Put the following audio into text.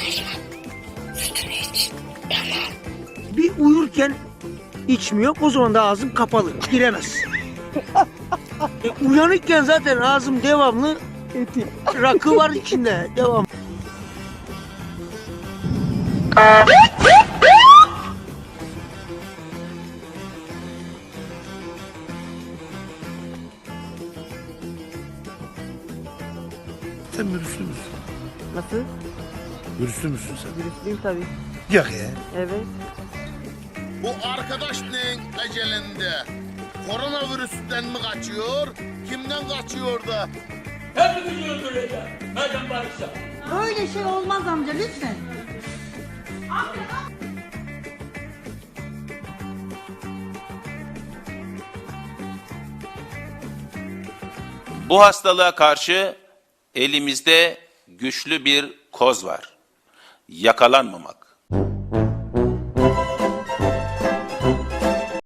Sütünü iç. Tamam. Bir uyurken içmiyor, o zaman da ağzım kapalı, giremez. Uyanıkken zaten ağzım devamlı rakı var içinde, devam. Sen virüslü müsün? Nasıl? Virüslü müsün sen? Virüslüyüm tabii. Yok ya. Evet. Bu arkadaş neyin ecelinde? Koronavirüsten mi kaçıyor? Kimden kaçıyor da? Hepimizi öldüreceğim. Madem barışsa. Öyle şey olmaz amca lütfen. Bu hastalığa karşı elimizde güçlü bir koz var. Yakalanmamak.